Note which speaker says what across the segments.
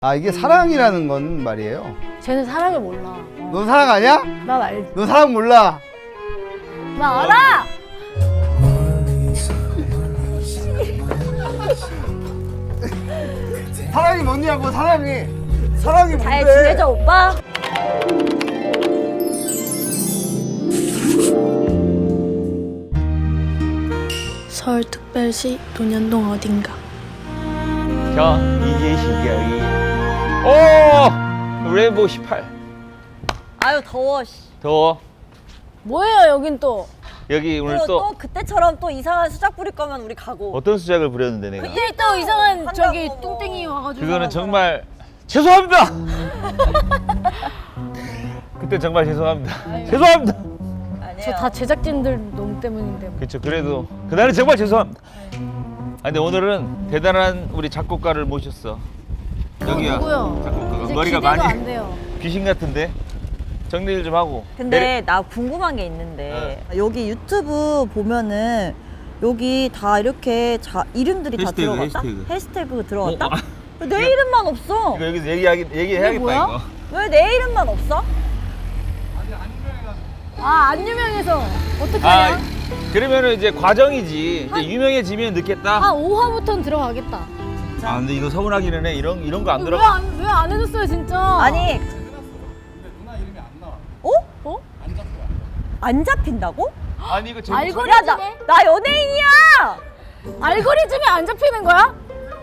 Speaker 1: 아 이게 사랑이라는 건 말이에요.
Speaker 2: 쟤는 사랑을 몰라.
Speaker 1: 넌 사랑 아니야?
Speaker 2: 난 알지.
Speaker 1: 넌 사랑 몰라.
Speaker 2: 나 알아!
Speaker 1: 사랑이 뭐냐고 사랑이. 사랑이 뭔데?
Speaker 3: 잘 지내죠 오빠?
Speaker 4: 서울특별시 논현동 어딘가.
Speaker 5: 자, 이제 시작이. 오! 레인보우 18.
Speaker 3: 아유 더워 씨.
Speaker 5: 더워.
Speaker 2: 뭐예요 여긴 또?
Speaker 5: 여기 오늘
Speaker 3: 또,
Speaker 5: 또
Speaker 3: 그때처럼 또 이상한 수작 부릴 거면 우리 가고.
Speaker 5: 어떤 수작을 부렸는데 내가.
Speaker 2: 그때 또 이상한
Speaker 3: 한다고
Speaker 2: 저기
Speaker 3: 뭐.
Speaker 2: 똥땡이 와가지고
Speaker 5: 그거는 정말 죄송합니다. 그때 정말 죄송합니다. 죄송합니다.
Speaker 3: 아니에요.
Speaker 2: 저 다 제작진들 놈 때문인데.
Speaker 5: 그렇죠. 그래도 그날은 정말 죄송합니다. 아 근데 오늘은 대단한 우리 작곡가를 모셨어. 여기야.
Speaker 2: 누구요?
Speaker 5: 작곡가가
Speaker 2: 이제
Speaker 5: 머리가
Speaker 2: 기대가
Speaker 5: 많이
Speaker 2: 안 돼요.
Speaker 5: 귀신 같은데 정리를 좀 하고.
Speaker 3: 근데 나 궁금한 게 있는데 여기 유튜브 보면은 여기 다 이렇게 이름들이 다
Speaker 5: 해시태그,
Speaker 3: 들어갔다?
Speaker 5: 해시태그.
Speaker 3: 해시태그 들어갔다?
Speaker 5: 어,
Speaker 3: 왜 내 이름만 없어?
Speaker 5: 이거 여기서 얘기해야겠다
Speaker 2: 뭐야?
Speaker 5: 이거.
Speaker 3: 왜 내 이름만 없어?
Speaker 2: 아 안 유명해서
Speaker 5: 아
Speaker 2: 어떡하냐?
Speaker 5: 그러면은 이제 과정이지. 이제 유명해지면 늦겠다.
Speaker 2: 한 5화부터는 들어가겠다.
Speaker 5: 아 근데 이거 서운하기는 해. 이런 거 안 들어.
Speaker 2: 왜 안 해줬어요 진짜?
Speaker 3: 아니 어?
Speaker 2: 어?
Speaker 3: 안 잡힌다고?
Speaker 5: 아니 이거 제목
Speaker 2: 알고리즘에?
Speaker 3: 야, 나 연예인이야!
Speaker 2: 알고리즘에 안 잡히는 거야?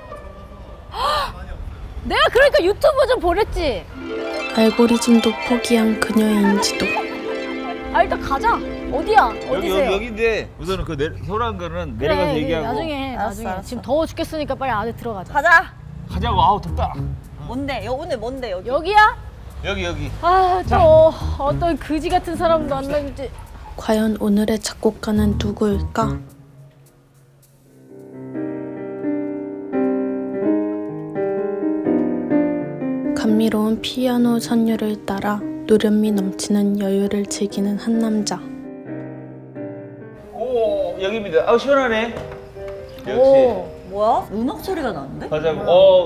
Speaker 2: 내가 그러니까 유튜브 좀 보랬지.
Speaker 4: 알고리즘도 포기한 그녀의인지도.
Speaker 2: 아 일단 가자. 어디야? 어디세요?
Speaker 5: 여기인데 우선은 서운한 거는
Speaker 2: 그래,
Speaker 5: 내려가서
Speaker 2: 그래,
Speaker 5: 얘기하고.
Speaker 2: 나중에 해.
Speaker 3: 알았어,
Speaker 2: 나중에.
Speaker 3: 알았어.
Speaker 2: 지금 더워 죽겠으니까 빨리 안에 들어가자.
Speaker 3: 가자!
Speaker 5: 가자고. 아우 덥다.
Speaker 3: 뭔데? 오늘 뭔데 여기?
Speaker 2: 여기야?
Speaker 5: 여기.
Speaker 2: 아, 저 어떤 그지 같은 사람도 안 나는지.
Speaker 4: 과연 오늘의 작곡가는 누구일까? 감미로운 피아노 선율을 따라 노련미 넘치는 여유를 즐기는 한 남자.
Speaker 5: 오 여기입니다. 아 시원하네. 역시.
Speaker 2: 오.
Speaker 3: 뭐야? 음악 소리가 나는데?
Speaker 5: 가자고.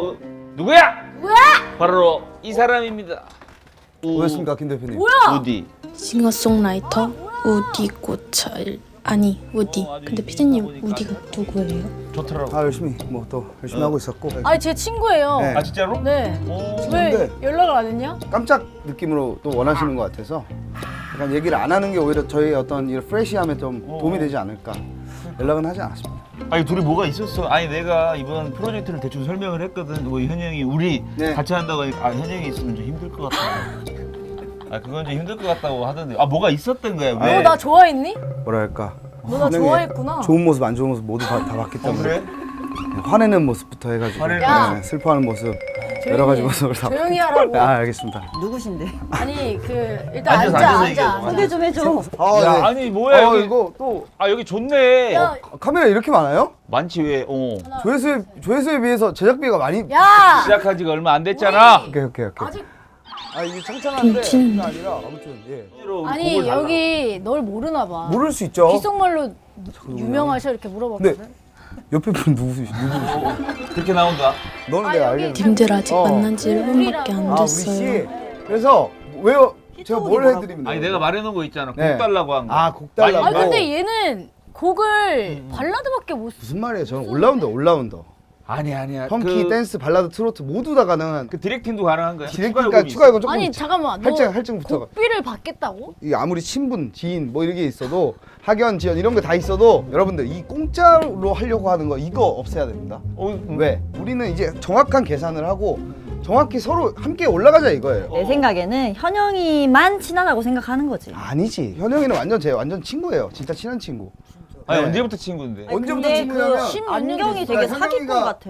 Speaker 5: 누구야?
Speaker 2: 뭐야?
Speaker 5: 바로 이 사람입니다.
Speaker 1: 뭐였습니까 김 대표님?
Speaker 2: 뭐야?
Speaker 5: 우디.
Speaker 4: 싱어송라이터 우디 고철. 아니 우디. 근데 피디님 우디가 누구예요?
Speaker 5: 좋더라고.
Speaker 1: 아 열심히 뭐 또 열심히 하고 있었고.
Speaker 2: 아니 제 친구예요.
Speaker 1: 네.
Speaker 5: 아 진짜로?
Speaker 2: 네.
Speaker 5: 오.
Speaker 2: 왜
Speaker 1: 근데-
Speaker 2: 연락을 안 했냐?
Speaker 1: 깜짝 느낌으로 또 원하시는 것 같아서 약간 얘기를 안 하는 게 오히려 저희 어떤 이 프레시함에 좀 도움이 되지 않을까. 연락은 하지 않았습니다.
Speaker 5: 아니 둘이 뭐가 있었어? 아니 내가 이번 프로젝트를 대충 설명을 했거든. 뭐 현영이 우리
Speaker 1: 네.
Speaker 5: 같이 한다고 하니까 현영이 있으면 좀 힘들 것 같다. 아 그건 좀 힘들 것 같다고 하던데. 아 뭐가 있었던 거야? 왜?
Speaker 2: 너 나 좋아했니?
Speaker 1: 뭐랄까.
Speaker 2: 너 나
Speaker 1: 분명히
Speaker 2: 좋아했구나.
Speaker 1: 좋은 모습 안 좋은 모습 모두 다 봤기 때문에
Speaker 5: 그래?
Speaker 1: 화내는 모습부터 해가지고
Speaker 5: 화내는
Speaker 2: 야.
Speaker 1: 네, 슬퍼하는 모습
Speaker 2: 조용히
Speaker 1: 여러 가지
Speaker 2: 해.
Speaker 1: 모습을 다.
Speaker 2: 조용히 하라고.
Speaker 1: 아 알겠습니다.
Speaker 3: 누구신데?
Speaker 2: 아니 그 일단
Speaker 5: 앉아서,
Speaker 2: 앉아
Speaker 5: 앉아서
Speaker 2: 앉아.
Speaker 5: 얘기하자.
Speaker 3: 소개 좀 해줘.
Speaker 1: 아,
Speaker 5: 야
Speaker 1: 네.
Speaker 5: 아니 뭐야 여기.
Speaker 1: 이거 또
Speaker 5: 아 여기 좋네.
Speaker 2: 야,
Speaker 1: 카메라 이렇게 많아요?
Speaker 5: 많지 왜?
Speaker 1: 조회수에 비해서 제작비가 많이.
Speaker 2: 야.
Speaker 5: 시작한 지가 얼마 안 됐잖아.
Speaker 1: 오케이.
Speaker 2: 아직
Speaker 1: 아 이게 창창한데
Speaker 4: 훔치는
Speaker 1: 그게 아니라 아무튼 예.
Speaker 2: 아니 여기 널 모르나 봐.
Speaker 1: 모를 수 있죠.
Speaker 2: 귓속말로 유명하셔 이렇게 물어봤거든.
Speaker 1: 네. 옆에 분 누구시?
Speaker 5: 그렇게 나온다.
Speaker 1: 너는
Speaker 2: 아,
Speaker 1: 내가
Speaker 2: 여기
Speaker 1: 알겠는데.
Speaker 4: 님들 아직
Speaker 1: 어.
Speaker 4: 만난 지 1분밖에 안
Speaker 1: 아 우리 씨.
Speaker 4: 됐어요.
Speaker 1: 그래서 왜요? 제가 뭘
Speaker 3: 뭐라고?
Speaker 1: 해드리면
Speaker 5: 아니
Speaker 1: 돼요?
Speaker 5: 내가 말해놓은 거 있잖아. 곡
Speaker 1: 네.
Speaker 5: 달라고 한 거.
Speaker 1: 아, 곡 달라고?
Speaker 2: 아니
Speaker 1: 어.
Speaker 2: 근데 얘는 곡을 발라드밖에 못 써.
Speaker 1: 무슨 말이에요? 저는 올라운더.
Speaker 5: 아니야.
Speaker 1: 펑키, 댄스, 발라드, 트로트 모두 다 가능한.
Speaker 5: 그 디렉팅도 가능한 거야.
Speaker 1: 디렉팅까지 추가 요금 조금.
Speaker 2: 아니 잠깐만. 너
Speaker 1: 할증부터가.
Speaker 2: 곡비를 받겠다고?
Speaker 1: 이 아무리 친분, 지인 뭐 이런 게 있어도 학연, 지연 이런 거 다 있어도 여러분들 이 공짜로 하려고 하는 거 이거 없애야 됩니다. 왜? 우리는 이제 정확한 계산을 하고 정확히 서로 함께 올라가자 이거예요.
Speaker 3: 내 생각에는 현영이만 친하다고 생각하는 거지.
Speaker 1: 아니지. 현영이는 완전 친구예요. 진짜 친한 친구.
Speaker 5: 아니
Speaker 1: 네.
Speaker 5: 언제부터 친구인데?
Speaker 3: 아니,
Speaker 1: 언제부터
Speaker 3: 근데
Speaker 1: 친구냐면
Speaker 3: 그
Speaker 2: 십몇 년
Speaker 3: 안경이
Speaker 2: 됐어.
Speaker 3: 되게
Speaker 1: 현영이가-
Speaker 3: 사기꾼 같아.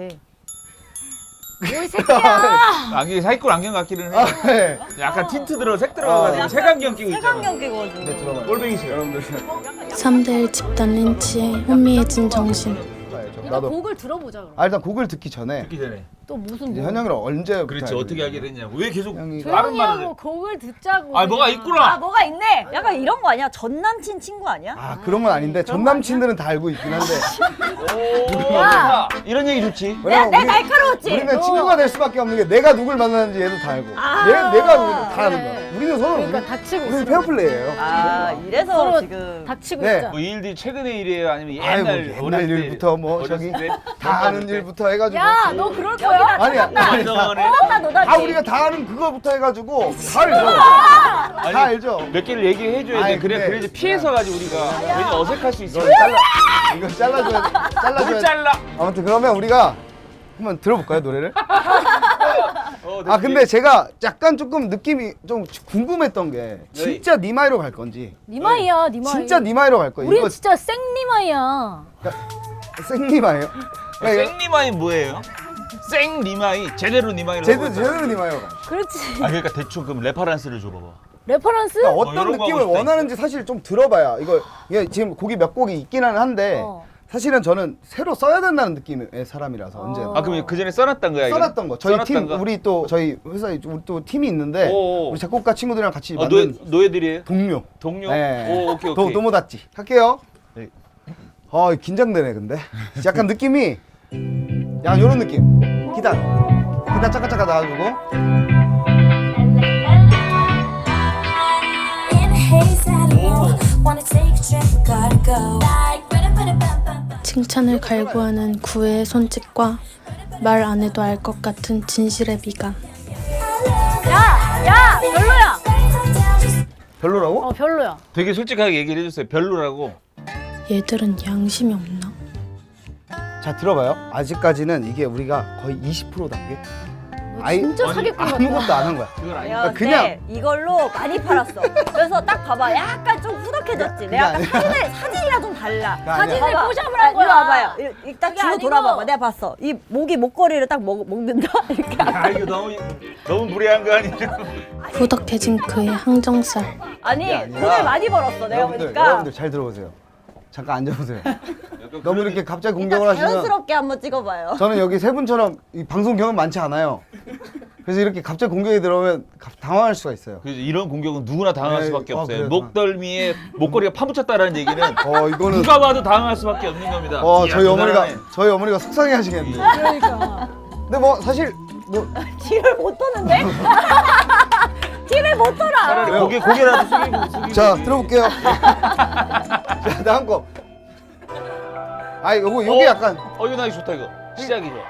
Speaker 2: 뭘 새끼야.
Speaker 5: 안경이 사기꾼 안경 같기는 해.
Speaker 1: 아, 네.
Speaker 5: 약간 틴트 색 들어가가지고 색안경 끼고 있잖아.
Speaker 3: 색안경 끼고가지고.
Speaker 1: 네, 들어봐요.
Speaker 5: 꼴뱅이 싫어.
Speaker 1: 여러분들
Speaker 4: 3대1 집단 린치에 혼미해진 정신.
Speaker 1: 봐야죠.
Speaker 2: 일단
Speaker 1: 나도.
Speaker 2: 곡을 들어보자 그럼.
Speaker 1: 아 일단 곡을 듣기 전에
Speaker 5: 듣기 전에.
Speaker 2: 또 무슨
Speaker 1: 이제
Speaker 2: 뭐.
Speaker 1: 현영이랑 언제
Speaker 5: 그렇지 어떻게 알게 됐냐고. 왜 계속
Speaker 1: 현영이가-
Speaker 5: 다른 말을 해?
Speaker 2: 조용히하고 곡을 듣자고.
Speaker 5: 아 뭐가
Speaker 2: 그냥.
Speaker 5: 있구나.
Speaker 3: 아 뭐가 있네. 약간 이런 거 아니야? 전 남친 친구 아니야?
Speaker 1: 아 그런 건 아닌데 전 남친들은 다 알고 있긴 한데
Speaker 2: 야.
Speaker 5: 이런 얘기 좋지.
Speaker 3: 내가
Speaker 1: 우리-
Speaker 3: 날카로웠지.
Speaker 1: 우리는 친구가 될 수밖에 없는 게 내가 누굴 만나는지 얘도 다 알고 내가 누굴 다 아는 거야. 우리는 서로
Speaker 2: 그러니까
Speaker 1: 우리,
Speaker 2: 닥치고
Speaker 1: 우리는
Speaker 2: 있어.
Speaker 1: 페어플레이예요.
Speaker 3: 아 이래서
Speaker 2: 서로
Speaker 3: 지금
Speaker 2: 닥치고
Speaker 1: 네.
Speaker 2: 있자.
Speaker 5: 뭐 이 일들이 최근의 일이에요? 아니면
Speaker 1: 아이고,
Speaker 5: 옛날
Speaker 1: 옛날
Speaker 5: 어렸을 때,
Speaker 1: 일부터 뭐
Speaker 5: 어렸을
Speaker 1: 저기
Speaker 5: 때?
Speaker 1: 다 아는 일부터 해가지고
Speaker 2: 야, 너 그럴 거야?
Speaker 1: 아니야 아니,
Speaker 3: 나 너다.
Speaker 1: 다 우리가 다 아는 그거부터 해가지고 다 알죠. 다 알죠.
Speaker 5: 몇 개를 얘기해 줘야 돼.
Speaker 1: 아니,
Speaker 5: 그래
Speaker 1: 근데-
Speaker 5: 그래야지 피해서 가지고 우리가 괜히 어색할 수 있어.
Speaker 1: 이거 잘라줘야 돼. 잘라줘야
Speaker 5: 뭘
Speaker 1: 돼.
Speaker 5: 잘라.
Speaker 1: 아무튼 그러면 우리가 한번 들어볼까요 노래를? 아 근데
Speaker 5: 됐지.
Speaker 1: 제가 약간 조금 느낌이 좀 궁금했던 게 진짜 니마이로 갈 건지
Speaker 2: 니마이야, 니마이.
Speaker 1: 진짜 니마이로 갈 거예요.
Speaker 2: 우린
Speaker 1: 이거
Speaker 2: 진짜 생니마이야.
Speaker 1: 생니마예요? 그러니까
Speaker 5: 생리마이 뭐예요? 생리마이 제대로 니마이라고.
Speaker 1: 제대로 니마이로 가.
Speaker 2: 그렇지.
Speaker 5: 아 그러니까 대충 그럼 레퍼런스를 줘봐봐.
Speaker 2: 레퍼런스?
Speaker 1: 그러니까 어떤
Speaker 5: 이런 거 하고
Speaker 1: 느낌을
Speaker 5: 싶다,
Speaker 1: 원하는지 사실 좀 들어봐야 이게 지금 곡이 몇 곡이 있기는 한데
Speaker 2: 어.
Speaker 1: 사실은 저는 새로 써야 된다는 느낌의 사람이라서 언제나
Speaker 5: 아 그럼 그 전에 써놨던 거야? 이거?
Speaker 1: 써놨던 거 저희 팀
Speaker 5: 써놨던 거?
Speaker 1: 우리 또 저희 회사에 우리 또 팀이 있는데
Speaker 5: 오.
Speaker 1: 우리 작곡가 친구들이랑 같이
Speaker 5: 어,
Speaker 1: 만든
Speaker 5: 노예들이에요?
Speaker 1: 동료
Speaker 5: 동료?
Speaker 1: 네.
Speaker 5: 오 오케이 오케이.
Speaker 1: 도모다찌 할게요.
Speaker 5: 네.
Speaker 1: 아 긴장되네 근데 약간 느낌이 약간 요런 느낌 기타 짜까짜까 나와주고
Speaker 4: 칭찬을 갈구하는 구애의 손짓과 말 안 해도 알 것 같은 진실의 미간.
Speaker 2: 야, 별로야.
Speaker 1: 별로라고?
Speaker 2: 별로야.
Speaker 5: 되게 솔직하게 얘기를 해줬어요. 별로라고.
Speaker 4: 얘들은 양심이 없나?
Speaker 1: 자 들어봐요. 아직까지는 이게 우리가 거의 20%답게
Speaker 2: 너 진짜
Speaker 5: 아니,
Speaker 2: 사기꾼 같다.
Speaker 1: 아무것도 안 한 거야.
Speaker 5: 그건 아니.
Speaker 3: 내가
Speaker 1: 그냥-
Speaker 3: 그냥 이걸로 많이 팔았어. 그래서 딱 봐봐. 약간 좀 후덕해졌지. 내가 아까 사진이랑 좀 달라.
Speaker 1: 아니야.
Speaker 2: 사진을
Speaker 3: 봐봐.
Speaker 2: 포샵을 한 거야.
Speaker 3: 이리 와봐요. 딱
Speaker 2: 그게
Speaker 3: 뒤로
Speaker 2: 아니고.
Speaker 3: 돌아봐봐. 내가 봤어. 이 목걸이를 딱 먹는다. 이렇게.
Speaker 5: 아 이거 너무 무례한 거 아니야?
Speaker 4: 후덕해진 그의 항정살.
Speaker 3: 아니
Speaker 1: 그게 아니라
Speaker 3: 돈을 많이 벌었어. 내가 보니까.
Speaker 1: 여러분들 잘 들어보세요. 잠깐 앉아보세요. 너무 이렇게 갑자기 공격을
Speaker 3: 일단
Speaker 1: 하시면
Speaker 3: 자연스럽게 한번 찍어봐요.
Speaker 1: 저는 여기 세 분처럼 이 방송 경험 많지 않아요. 그래서 이렇게 갑자기 공격이 들어오면 당황할 수가 있어요.
Speaker 5: 그래서 이런 공격은 누구나 당할
Speaker 1: 네,
Speaker 5: 수밖에 없어요.
Speaker 1: 그래요.
Speaker 5: 목덜미에 목걸이가 파묻혔다라는 얘기는
Speaker 1: 이거는
Speaker 5: 누가 봐도 당할 수밖에 없는 겁니다. 이야,
Speaker 1: 저희 어머니가 속상해 하시겠는데.
Speaker 2: 그러니까.
Speaker 1: 근데 뭐 사실 뭐
Speaker 3: 뒤를 못 도는데? 뒤를 못 돌아.
Speaker 5: 차라리 고개라도 숙이고.
Speaker 1: 자 들어볼게요. 자 다음 거. 아 요게 약간
Speaker 5: 이거 나기 좋다 이거. 시작이 좋아.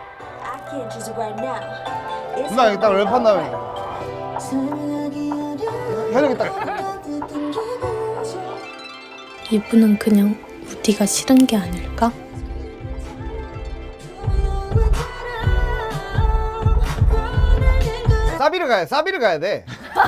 Speaker 1: 누나 여기 딱 랩한 다음에 현욱이 딱
Speaker 4: 이분은 그냥 우디가 싫은 게 아닐까?
Speaker 1: 사비를 가야 돼.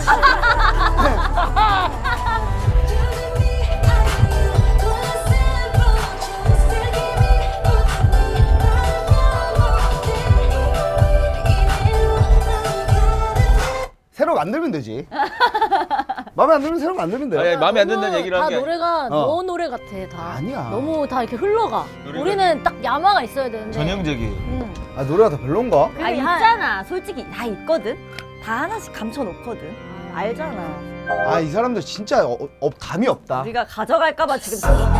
Speaker 1: 새로 만들면 되지. 마음에 안 들면 새로 만들면 돼.
Speaker 5: 아니, 마음에 안 든다는 얘기를
Speaker 2: 다
Speaker 5: 한 게.
Speaker 2: 노래가
Speaker 1: 어.
Speaker 2: 너 노래 같아 다.
Speaker 1: 아니야.
Speaker 2: 너무 다 이렇게 흘러가.
Speaker 5: 노래가-
Speaker 2: 우리는 딱 야마가 있어야 되는데.
Speaker 5: 전형적이에요.
Speaker 2: 응.
Speaker 1: 아 노래가 더 별론가?
Speaker 3: 아
Speaker 2: 그게
Speaker 3: 있잖아. 솔직히 다 있거든. 다 하나씩 감춰놓거든. 알잖아.
Speaker 1: 아 이 사람들 진짜 감이 없다.
Speaker 3: 우리가 가져갈까봐 지금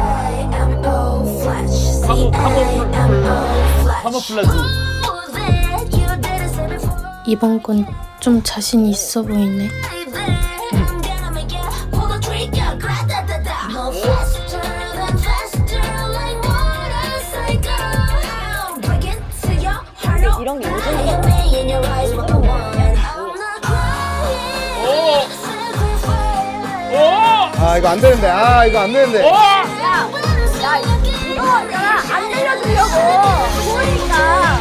Speaker 5: 카모플라즈.
Speaker 4: 이번 건 좀 자신이 있어 보이네.
Speaker 3: 이런 게 요즘
Speaker 1: 아 이거 안 되는데. 이거 안 되는데.
Speaker 3: 이거 안 들려주려고 그러니까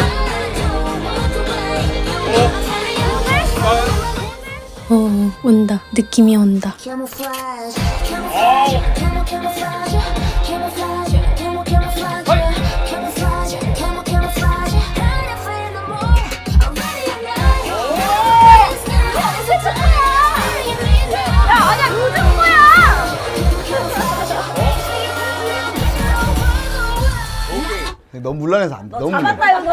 Speaker 4: 온다. 느낌이 온다.
Speaker 3: 아니야 요즘 거야.
Speaker 1: 너무 물란해서 안 돼.
Speaker 3: 너
Speaker 1: 너무 물란해.
Speaker 3: 잡았다 이거.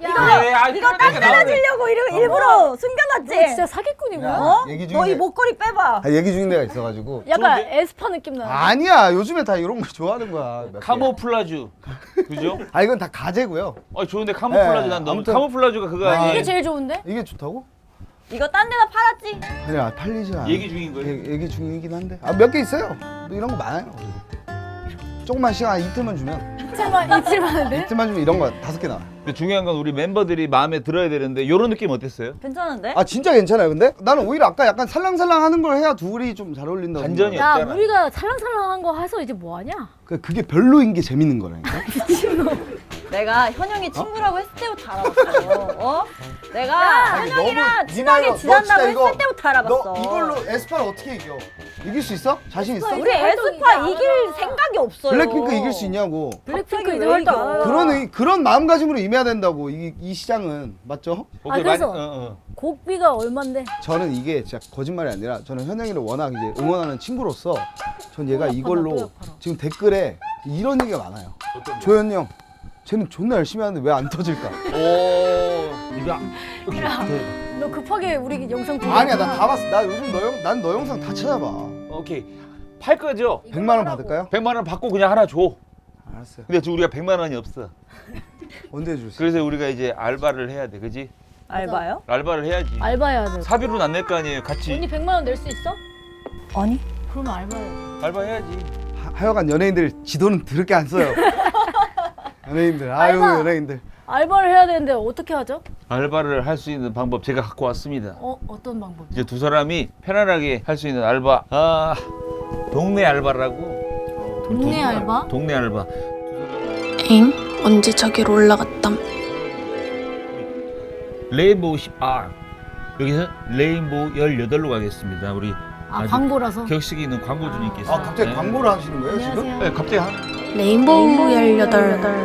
Speaker 3: 이거 딴 데다 주려고 일부러 숨겨놨지?
Speaker 2: 너 진짜 사기꾼이구나.
Speaker 3: 어?
Speaker 1: 얘기 중에-
Speaker 3: 너 이 목걸이 빼봐.
Speaker 1: 아, 얘기 중인 데가 있어가지고.
Speaker 2: 약간 에스파 느낌 나.
Speaker 1: 아니야, 요즘에 다 이런 거 좋아하는 거야. 몇 개.
Speaker 5: 카모플라주. 그죠?
Speaker 1: 아, 이건 다 가제고요.
Speaker 5: 좋은데 카모플라주
Speaker 1: 네,
Speaker 5: 난 너무
Speaker 1: 아무튼-
Speaker 5: 카모플라주가 그거 아니에요?
Speaker 2: 이게 제일 좋은데?
Speaker 1: 이게 좋다고?
Speaker 3: 이거 딴 데다 팔았지?
Speaker 1: 아니야, 팔리지 않아.
Speaker 5: 얘기 중인 거예요?
Speaker 1: 얘기 중이긴 한데. 아, 몇 개 있어요. 이런 거 많아요. 조금만 시간 이틀만 주면
Speaker 2: 이틀만 하는데?
Speaker 1: 이틀만 주면 이런 거 5개 나와.
Speaker 5: 근데 중요한 건 우리 멤버들이 마음에 들어야 되는데 이런 느낌 어땠어요?
Speaker 3: 괜찮은데?
Speaker 1: 아 진짜 괜찮아요. 근데 나는 오히려 아까 약간 살랑살랑 하는 걸 해야 둘이 좀 잘 어울린다고.
Speaker 5: 반전이야.
Speaker 1: 생각해요.
Speaker 2: 야
Speaker 5: 없잖아.
Speaker 2: 우리가 살랑살랑한 거 해서 이제 뭐 하냐?
Speaker 1: 그게 별로인 게 재밌는 거라니까.
Speaker 3: 내가 현영이 친구라고 했을 때부터 알아봤어. 어? 내가
Speaker 1: 아니,
Speaker 3: 현영이랑
Speaker 1: 너무
Speaker 3: 친하게
Speaker 1: 너
Speaker 3: 지낸다고
Speaker 1: 진짜 이거-
Speaker 3: 했을 때부터 알아봤어.
Speaker 1: 너 이걸로 에스파를 어떻게 이겨? 이길 수 있어? 자신 있어?
Speaker 3: 우리 에스파 이길 생각이 없어요.
Speaker 1: 블랙핑크 이길 수 있냐고.
Speaker 2: 블랙핑크
Speaker 3: 갑자기
Speaker 2: 이제
Speaker 3: 왜
Speaker 2: 활동
Speaker 3: 이겨?
Speaker 2: 안 하나?
Speaker 1: 그런 마음가짐으로 임해야 된다고 이 시장은 맞죠?
Speaker 5: 오케이,
Speaker 2: 그래서-
Speaker 5: 많이-
Speaker 2: 곡비가 얼만데?
Speaker 1: 저는 이게 진짜 거짓말이 아니라 저는 현영이를 워낙 이제 응원하는 친구로서 전 얘가
Speaker 2: 또
Speaker 1: 이걸로
Speaker 2: 약하다.
Speaker 1: 지금 댓글에 이런 얘기가 많아요. 조현이 형, 쟤는 존나 열심히 하는데 왜 안 터질까?
Speaker 5: 오, 이거
Speaker 2: 너 급하게 우리 영상 보고
Speaker 1: 아니야, 나 다 봤어. 나 요즘 난 너 영상 다 찾아봐.
Speaker 5: 오케이. 팔 거죠?
Speaker 1: 100만 원 받을까요?
Speaker 5: 100만 원 받고 그냥 하나 줘.
Speaker 1: 알았어요.
Speaker 5: 근데 지금 우리가 100만 원이 없어.
Speaker 1: 언제 줄 수?
Speaker 5: 그래서 우리가 이제 알바를 해야 돼, 그지?
Speaker 3: 알바요?
Speaker 5: 알바를 해야지.
Speaker 2: 알바해야 돼.
Speaker 5: 사비로는 안 낼 거 아니에요, 같이.
Speaker 2: 언니 100만 원 낼 수 있어?
Speaker 3: 아니.
Speaker 2: 그러면 알바해야 돼.
Speaker 5: 알바 해야지.
Speaker 1: 하여간 연예인들 지도는 더럽게 안 써요. 연예인들, 아유
Speaker 2: 알바.
Speaker 1: 연예인들.
Speaker 2: 알바를 해야 되는데 어떻게 하죠?
Speaker 5: 알바를 할 수 있는 방법 제가 갖고 왔습니다.
Speaker 2: 어떤 방법?
Speaker 5: 이제 두 사람이 편안하게 할 수 있는 알바. 동네 알바라고.
Speaker 2: 동네 알바?
Speaker 5: 동네 알바.
Speaker 4: 엥? 언제 저기로 올라갔담?
Speaker 5: 레인보우 10R. 여기서 레인보우 18로 가겠습니다. 우리 아주
Speaker 2: 광고라서?
Speaker 5: 격식 있는 광고주님께서.
Speaker 1: 아 갑자기
Speaker 5: 네.
Speaker 1: 광고를 하시는 거예요 지금?
Speaker 2: 안녕하세요.
Speaker 5: 네, 갑자기
Speaker 4: 레인보우 18.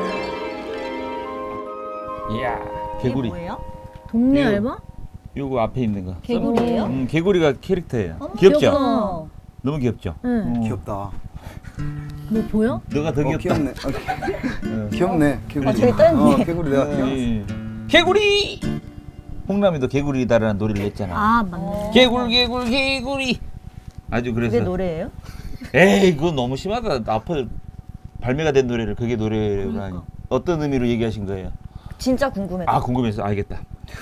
Speaker 5: 이야,
Speaker 3: 이게
Speaker 5: 개구리.
Speaker 3: 뭐예요?
Speaker 2: 동네
Speaker 5: 이거-
Speaker 2: 알바?
Speaker 5: 요거 앞에 있는 거.
Speaker 3: 개구리예요?
Speaker 5: 개구리가 캐릭터예요.
Speaker 3: 어머,
Speaker 5: 귀엽죠?
Speaker 3: 귀엽다.
Speaker 5: 너무 귀엽죠?
Speaker 2: 응.
Speaker 1: 귀엽다.
Speaker 2: 뭐 보여?
Speaker 5: 너가 더 귀엽다.
Speaker 1: 귀엽네. 귀엽네. 개구리.
Speaker 3: 저기 떠있네.
Speaker 1: 개구리 내가 귀여워.
Speaker 5: 예. 개구리! 홍남이도 개구리다라는 노래를 냈잖아.
Speaker 2: 아 맞네.
Speaker 5: 개구리. 아주 그래서.
Speaker 3: 그게 노래예요?
Speaker 5: 에이, 그건 너무 심하다. 앞에 발매가 된 노래를 그게 노래로 하니. 어떤 의미로 얘기하신 거예요?
Speaker 3: 진짜 궁금해.
Speaker 5: 아, 궁금해서 알겠다.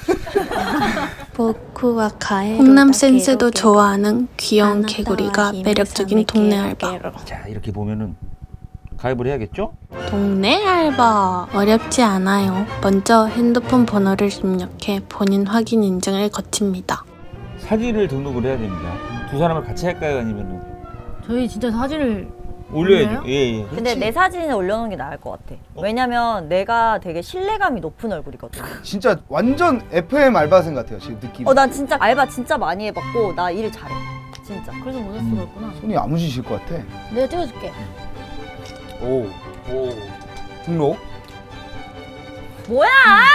Speaker 4: 보쿠와 카에 홍남 센스도 좋아하는 귀여운 개구리가 매력적인 동네 알바.
Speaker 5: 자, 이렇게 보면은 가입을 해야겠죠?
Speaker 4: 동네 알바 어렵지 않아요. 먼저 핸드폰 번호를 입력해 본인 확인 인증을 거칩니다.
Speaker 5: 사진을 등록을 해야 됩니다. 두 사람을 같이 할까요? 아니면은
Speaker 2: 저희 진짜 사진을
Speaker 5: 올려야죠.
Speaker 2: 올려요?
Speaker 5: 예.
Speaker 3: 근데 내 사진을 올려놓는 게 나을 것 같아. 왜냐면 내가 되게 신뢰감이 높은 얼굴이거든.
Speaker 1: 진짜 완전 FM 알바생 같아요 지금 느낌.
Speaker 3: 난 진짜 알바 진짜 많이 해봤고 나 일 잘해. 진짜.
Speaker 2: 그래서 모자 쓰고 있구나.
Speaker 1: 손이 야무지실 것 같아.
Speaker 2: 내가 찍어줄게.
Speaker 5: 오.
Speaker 1: 등록.
Speaker 3: 뭐야?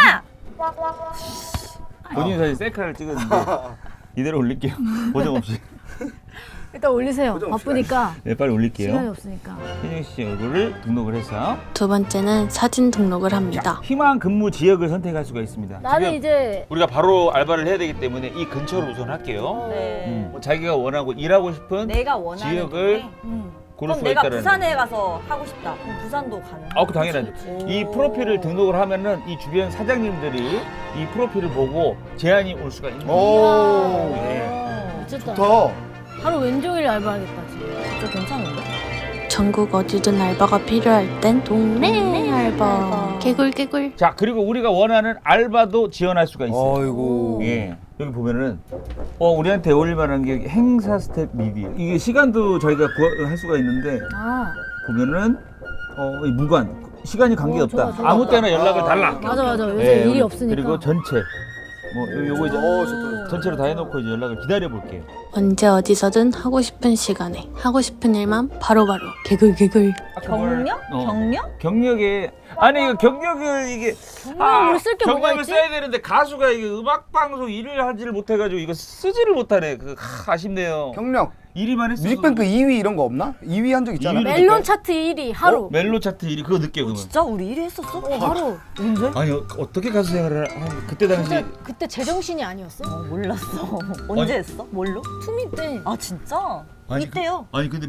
Speaker 5: 본인 사진 셀카를 찍었는데 이대로 올릴게요. 보정 없이.
Speaker 2: 일단 올리세요.
Speaker 1: 보정 없이
Speaker 2: 바쁘니까
Speaker 5: 네, 빨리
Speaker 2: 시간이
Speaker 5: 올릴게요.
Speaker 2: 없으니까.
Speaker 5: 현영 씨 얼굴을 등록을 해서
Speaker 4: 두 번째는 사진 등록을
Speaker 5: 자,
Speaker 4: 합니다.
Speaker 5: 희망 근무 지역을 선택할 수가 있습니다.
Speaker 2: 나는
Speaker 5: 지금
Speaker 2: 이제
Speaker 5: 우리가 바로 알바를 해야 되기 때문에 이 근처로 우선 할게요.
Speaker 3: 네.
Speaker 5: 자기가 원하고 일하고 싶은
Speaker 3: 내가 원하는
Speaker 5: 지역을
Speaker 3: 동네?
Speaker 5: 고를
Speaker 3: 그럼
Speaker 5: 수가
Speaker 3: 내가
Speaker 5: 있다는.
Speaker 3: 부산에 가서 하고 싶다. 그럼 부산도 가능?
Speaker 5: 그 당연하죠. 이 프로필을 등록을 하면은 이 주변 사장님들이 이 프로필을 보고 제안이 올 수가 있는 거예요.
Speaker 1: 오.
Speaker 5: 네.
Speaker 2: 미쳤다.
Speaker 1: 더.
Speaker 2: 하루 왼종일 알바하겠다 지금.
Speaker 3: 진짜 괜찮은데?
Speaker 4: 전국 어디든 알바가 필요할 땐 동네 알바. 개굴.
Speaker 5: 자, 그리고 우리가 원하는 알바도 지원할 수가 있어요.
Speaker 1: 어이구.
Speaker 5: 예. 여기 보면은 우리한테 어울릴 만한 게 행사 스텝 미디. 이게 시간도 저희가 할 수가 있는데
Speaker 2: 아
Speaker 5: 보면은 이 무관 시간이 관계없다.
Speaker 2: 좋아, 좋아.
Speaker 5: 아무 때나 연락을 달라.
Speaker 2: 맞아. 요새
Speaker 5: 예,
Speaker 2: 일이
Speaker 5: 우리-
Speaker 2: 없으니까.
Speaker 5: 그리고 전체 요거 이제
Speaker 1: 좋다.
Speaker 5: 전체로 다 해놓고 이제 연락을 기다려 볼게요.
Speaker 4: 언제 어디서든 하고 싶은 시간에 하고 싶은 일만 바로바로 개굴.
Speaker 3: 경력? 경력?
Speaker 5: 경력에 아니 이거 경력을 이게
Speaker 2: 경력을 쓸게 뭐가
Speaker 5: 경력을
Speaker 2: 있지?
Speaker 5: 써야 되는데 가수가 이게 음악 방송 일을 하지를 못해가지고 이거 쓰지를 못하네. 아쉽네요.
Speaker 1: 경력.
Speaker 5: 1위만 했어.
Speaker 1: 뮤직뱅크 2위 이런 거 없나? 2위 한 적 있잖아.
Speaker 5: 2위 를-
Speaker 2: 멜론 차트 1위 하루.
Speaker 5: 멜로 차트 1위 그거 늦게 그러면.
Speaker 3: 진짜 우리 1위 했었어?
Speaker 2: 하루.
Speaker 3: 언제?
Speaker 5: 아니 어떻게 가수 생활을 그때 당시
Speaker 2: 그때 제정신이 아니었어?
Speaker 3: 몰랐어. 언제 했어? 뭘로?
Speaker 2: 투미 때.
Speaker 3: 아 진짜? 이때요.
Speaker 5: 아니 근데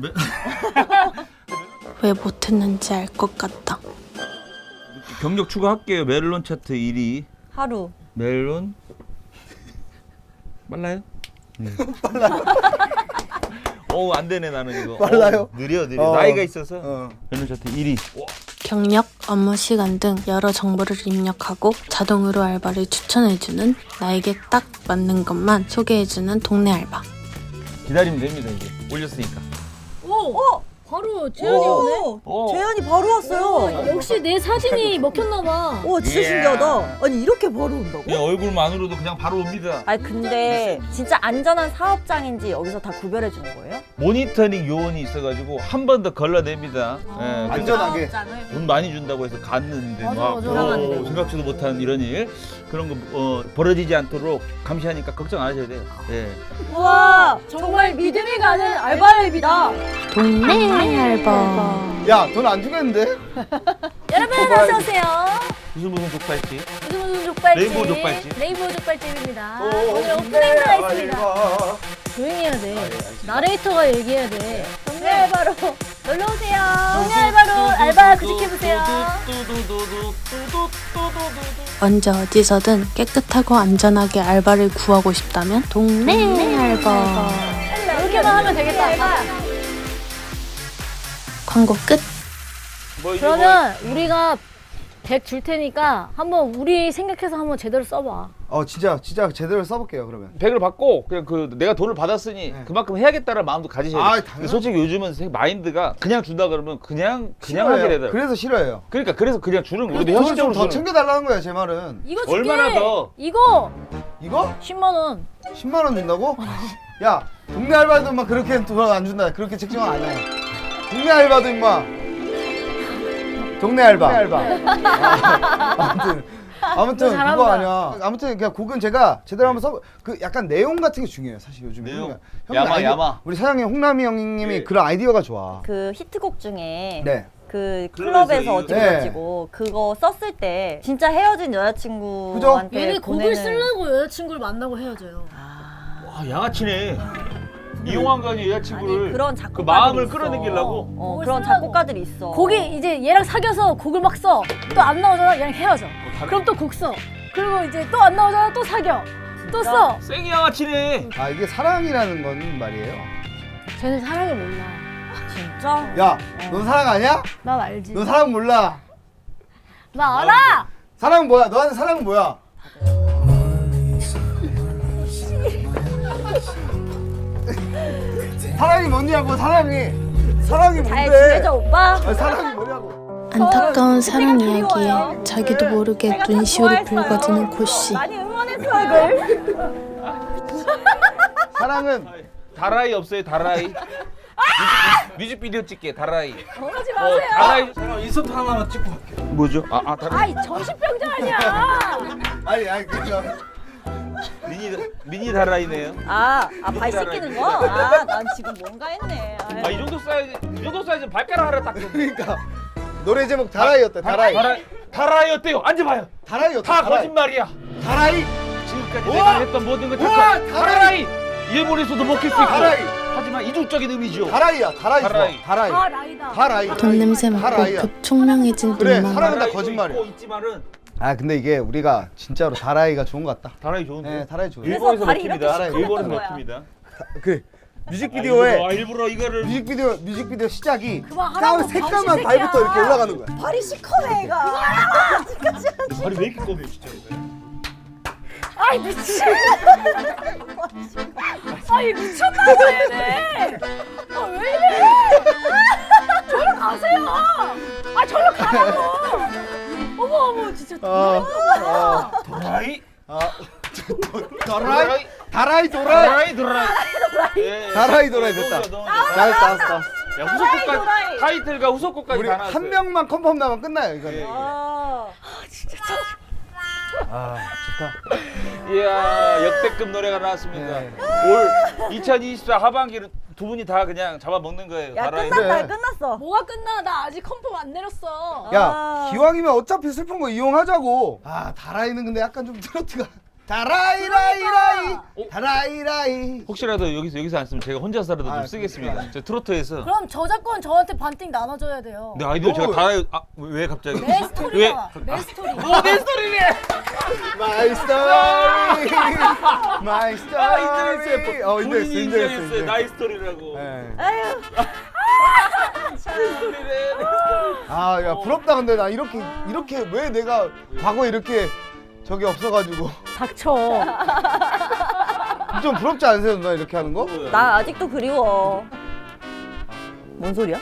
Speaker 4: 왜 못했는지 알 것 같다.
Speaker 5: 경력 추가할게요. 멜론 차트 1위.
Speaker 3: 하루.
Speaker 5: 멜론 빨라요? 안 되네 나는 이거.
Speaker 1: 빨라요?
Speaker 5: 느려.
Speaker 1: 어.
Speaker 5: 나이가 있어서.
Speaker 1: 어.
Speaker 5: 멜론 차트 1위.
Speaker 4: 경력, 업무 시간 등 여러 정보를 입력하고 자동으로 알바를 추천해주는 나에게 딱 맞는 것만 소개해주는 동네 알바.
Speaker 5: 기다리면 됩니다 이제. 올렸으니까.
Speaker 2: 오! 바로 재현이 오네.
Speaker 5: 오.
Speaker 3: 재현이 바로 왔어요.
Speaker 2: 역시 내 사진이 먹혔나 봐.
Speaker 3: 와 진짜
Speaker 5: 예.
Speaker 3: 신기하다. 아니 이렇게 바로 온다고?
Speaker 5: 그냥 얼굴만으로도 그냥 바로 옵니다.
Speaker 3: 아니 근데 진짜 안전한 사업장인지 여기서 다 구별해 주는 거예요?
Speaker 5: 모니터링 요원이 있어가지고 한 번 더 걸러냅니다. 예,
Speaker 1: 안전하게.
Speaker 5: 돈 많이 준다고 해서 갔는데
Speaker 2: 맞아,
Speaker 5: 막
Speaker 2: 맞아.
Speaker 5: 생각지도 못한 이런 일 그런 거 벌어지지 않도록 감시하니까 걱정 안 하셔야 돼요. 예.
Speaker 3: 우와
Speaker 2: 정말 믿음이 가는 알바랩이다.
Speaker 4: 동네 알바.
Speaker 1: 야, 돈 안 주겠는데?
Speaker 2: 여러분 어서 오세요.
Speaker 5: 무슨 족발집?
Speaker 2: 무슨 족발집?
Speaker 5: 레인보우 족발집.
Speaker 2: 레인보우 족발집입니다. 오늘 오프닝가 있습니다. 조용히 해야 돼. 나레이터가 얘기해야 돼. 동네 알바로 놀러 오세요. 동네 알바로 알바 구직해 보세요.
Speaker 4: 언제 어디서든 깨끗하고 안전하게 알바를 구하고 싶다면 동네 알바.
Speaker 2: 이렇게만 하면 되겠다.
Speaker 4: 광고 끝.
Speaker 2: 그러면 우리가 100 줄 테니까 한번 우리 생각해서 한번 제대로 써봐.
Speaker 1: 진짜 제대로 써볼게요 그러면.
Speaker 5: 100을 받고 그냥 내가 돈을 받았으니 그만큼 해야겠다는 마음도 가지셔야 돼요.
Speaker 1: 당연하죠.
Speaker 5: 근데 솔직히 요즘은 마인드가 그냥 준다 그러면 그냥
Speaker 1: 싫어해요.
Speaker 5: 하게 되더라고요.
Speaker 1: 그래서 싫어요.
Speaker 5: 그래서 그냥 주는 거예요. 우리
Speaker 1: 돈을
Speaker 5: 형식적으로
Speaker 1: 좀더
Speaker 5: 주는 거예요.
Speaker 1: 챙겨달라는 거야 제 말은.
Speaker 2: 이거 줄게.
Speaker 5: 얼마나 더?
Speaker 2: 이거
Speaker 1: 이거?
Speaker 2: 10만 원.
Speaker 1: 10만 원 준다고? 야, 동네 알바도 인마 그렇게 돈 안 준다. 그렇게 책정은 아니야. 동네 알바도 인마. 동네 알바. 아무튼
Speaker 2: 너 잘한다.
Speaker 1: 그거 아니야. 아무튼 그냥 곡은 제가 제대로 한번 그 약간 내용 같은 게 중요해요. 사실 요즘
Speaker 5: 내용?
Speaker 1: 형님
Speaker 5: 야마.
Speaker 1: 우리 사장님 홍남이 형님이
Speaker 5: 예.
Speaker 1: 그런 아이디어가 좋아.
Speaker 3: 그 히트곡 중에
Speaker 1: 네.
Speaker 3: 그
Speaker 5: 클럽에서
Speaker 3: 클럽에서 어찌
Speaker 1: 네.
Speaker 3: 가지고 그거 썼을 때 진짜 헤어진
Speaker 1: 그죠?
Speaker 3: 여자친구한테
Speaker 2: 얘네 곡을
Speaker 3: 보내는
Speaker 2: 쓰려고 여자친구를 만나고 헤어져요.
Speaker 5: 와 양아치네. 이용한 거 아니야 여자친구를.
Speaker 3: 아니 그런
Speaker 5: 그
Speaker 3: 작곡가들이
Speaker 5: 마음을
Speaker 3: 있어.
Speaker 5: 끌어내기려고.
Speaker 2: 곡을
Speaker 3: 그런
Speaker 2: 쓰려고.
Speaker 3: 작곡가들이 있어.
Speaker 2: 곡이 이제 얘랑 사귀어서 곡을 막 써. 또 안 나오잖아. 얘랑 헤어져. 그럼 또 곡 써. 그리고 이제 또 안 나오잖아. 또 사겨. 또 써.
Speaker 5: 쌩이 양아치네.
Speaker 1: 이게 사랑이라는 건 말이에요.
Speaker 2: 쟤는 사랑을 몰라.
Speaker 3: 진짜?
Speaker 1: 야, 넌 사랑 아니야?
Speaker 2: 난 알지.
Speaker 1: 넌 사랑 몰라.
Speaker 2: 나 알아.
Speaker 1: 사랑 뭐야? 너한테 사랑은 뭐야? 사랑이 뭐냐고 사랑이
Speaker 3: 잘
Speaker 1: 뭔데?
Speaker 3: 지내자 오빠.
Speaker 1: 사랑이 뭐냐고.
Speaker 4: 안타까운 사랑 이야기에
Speaker 3: 그리워요.
Speaker 4: 자기도 모르게
Speaker 3: 제가 다
Speaker 4: 눈시울이
Speaker 3: 좋아했어요.
Speaker 4: 붉어지는 고씨.
Speaker 3: 많이 응원했어요 이걸.
Speaker 1: 사랑은
Speaker 5: 다라이 없어요 다라이. 뮤직비디오 찍게 다라이.
Speaker 2: 그러지 마세요.
Speaker 5: 다라이.
Speaker 1: 인서트 하나만 찍고 갈게.
Speaker 5: 뭐죠? 다라이.
Speaker 2: 아이 정신병자 아니야.
Speaker 1: 아니 그죠.
Speaker 5: 미니 다라이네요.
Speaker 3: 발 씻기는 거? 난 지금 뭔가 했네.
Speaker 5: 이 정도 사이즈 발가락 하나 딱.
Speaker 1: 그러니까 노래 제목 다라이였대. 다라이.
Speaker 5: 다라이 어때요? 앉아봐요.
Speaker 1: 다라이였대.
Speaker 5: 다 거짓말이야.
Speaker 1: 다라이.
Speaker 5: 지금까지
Speaker 1: 우와!
Speaker 5: 내가 했던 모든 것
Speaker 1: 우와!
Speaker 5: 다
Speaker 1: 다라이!
Speaker 5: 일본에서도 먹힐 수 있고.
Speaker 1: 다라이.
Speaker 5: 하지만 이중적인 의미죠.
Speaker 1: 다라이야. 다라이.
Speaker 5: 다라이.
Speaker 1: 좋아. 다라이.
Speaker 2: 아 라이다.
Speaker 1: 다라이.
Speaker 4: 돈 냄새 맡고
Speaker 1: 다라이야.
Speaker 4: 급총명해진
Speaker 1: 그래,
Speaker 4: 눈만.
Speaker 1: 사랑은 다
Speaker 5: 다라이도
Speaker 1: 거짓말이야.
Speaker 5: 있고 있지만은
Speaker 1: 근데 이게 우리가 진짜로 다라이가 좋은 것 같다.
Speaker 5: 다라이 좋은데.
Speaker 1: 네, 다라이 좋아요.
Speaker 5: 일본에서
Speaker 3: 발이 이렇게
Speaker 5: 먹힙니다.
Speaker 3: 시커멓던
Speaker 5: 일본에서
Speaker 3: 거야.
Speaker 5: 먹힙니다.
Speaker 1: 그 뮤직비디오에
Speaker 5: 일부러 이거를
Speaker 1: 뮤직비디오 시작이
Speaker 2: 그만하라고,
Speaker 1: 새까만
Speaker 2: 병신
Speaker 1: 발부터
Speaker 2: 새끼야.
Speaker 1: 이렇게 올라가는 거야.
Speaker 3: 발이 시커매 얘가.
Speaker 5: 발이 왜 이렇게 검해 진짜.
Speaker 2: 아이 미친. 아이 미쳤나 얘네. 왜 이래? 저리 가세요. 저리 가라고. 어머 진짜.
Speaker 5: 다라이?
Speaker 1: 다라이 도라이 됐다. 잘했다.
Speaker 5: 야 후속곡까지 타이틀과 후속곡까지
Speaker 1: 우리
Speaker 5: 다 나왔어요.
Speaker 1: 한 명만 컨펌 나면 끝나요 이거는. 좋다.
Speaker 5: 이야 역대급 노래가 나왔습니다.
Speaker 1: 네.
Speaker 5: 올 2024 하반기를 두 분이 다 그냥 잡아먹는 거예요.
Speaker 3: 야
Speaker 5: 다라이.
Speaker 3: 끝났다
Speaker 1: 그래.
Speaker 3: 끝났어.
Speaker 2: 뭐가 끝나? 나 아직 컨펌 안 내렸어.
Speaker 1: 야
Speaker 3: 아.
Speaker 1: 기왕이면 어차피 슬픈 거 이용하자고. 아 다라이는 근데 약간 좀 트로트가 다라이라이라이 다라이라이.
Speaker 5: 혹시라도 여기서 안 쓰면 제가 혼자서라도 좀
Speaker 1: 아,
Speaker 5: 쓰겠습니다. 저 트로트에서.
Speaker 2: 그럼 저작권 저한테 반띵 나눠줘야 돼요.
Speaker 5: 근데 아이디어 제가
Speaker 1: 너무-
Speaker 5: 다라이 왜 갑자기?
Speaker 2: 내 스토리가 내 스토리.
Speaker 5: 내 스토리네.
Speaker 1: 마이 스토리 마이 스토리.
Speaker 5: 아 인터넷에
Speaker 1: 인터넷
Speaker 5: 인터넷에 나이 스토리라고.
Speaker 1: 네.
Speaker 3: 아유.
Speaker 5: 스토리래.
Speaker 1: 아야 부럽다. 근데 나 이렇게 왜 내가 과거에 이렇게 저게 없어가지고
Speaker 2: 닥쳐.
Speaker 1: 좀 부럽지 않으세요 누나 이렇게 하는 거?
Speaker 3: 나 아직도 그리워. 뭔 소리야?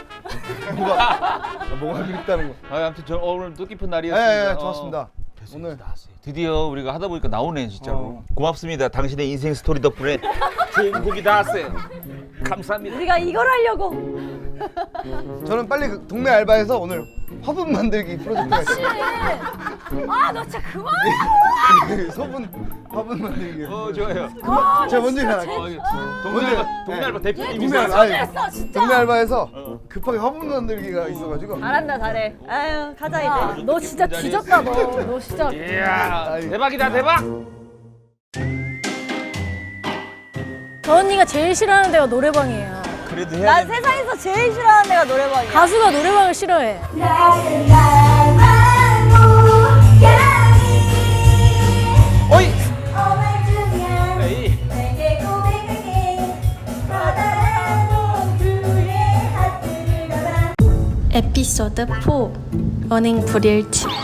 Speaker 1: 뭐가 그립다는 거.
Speaker 5: 아, 아무튼 저 오늘 뜻깊은
Speaker 1: 예,
Speaker 5: 날이었습니다.
Speaker 1: 예, 좋았습니다. 오늘
Speaker 5: 드디어 우리가 하다 보니까 나오네 진짜로.
Speaker 1: 어.
Speaker 5: 고맙습니다. 당신의 인생 스토리 덕분에 좋은 곡이 나왔어요. 감사합니다.
Speaker 3: 우리가 이걸 하려고.
Speaker 1: 저는 빨리 그 동네 알바에서 오늘 화분 만들기 프로젝트가 있어요.
Speaker 2: 아 너 진짜 그만해.
Speaker 1: 화분 만들기.
Speaker 5: 좋아요.
Speaker 1: 제가 먼저 일어날게요.
Speaker 5: 동네 알바 대표님이
Speaker 1: 동네
Speaker 5: 있어요.
Speaker 1: 알바, 아니,
Speaker 2: 했어 진짜.
Speaker 1: 동네 알바에서 급하게 화분 만들기가 있어가지고.
Speaker 3: 잘한다 잘해. 아유 가자
Speaker 2: 야,
Speaker 3: 이제.
Speaker 2: 너 진짜 뒤졌다 너. 너 진짜.
Speaker 5: 이야
Speaker 1: 아이.
Speaker 5: 대박이다 대박.
Speaker 2: 저 언니가 제일 싫어하는 데가 노래방이에요.
Speaker 5: 그래도
Speaker 3: 난
Speaker 5: 해야 돼.
Speaker 3: 세상에서 제일 싫어하는 애가 노래방이야.
Speaker 2: 가수가 노래방을 싫어해.
Speaker 5: 어이. 에이.
Speaker 4: 에피소드 4 러닝 불일치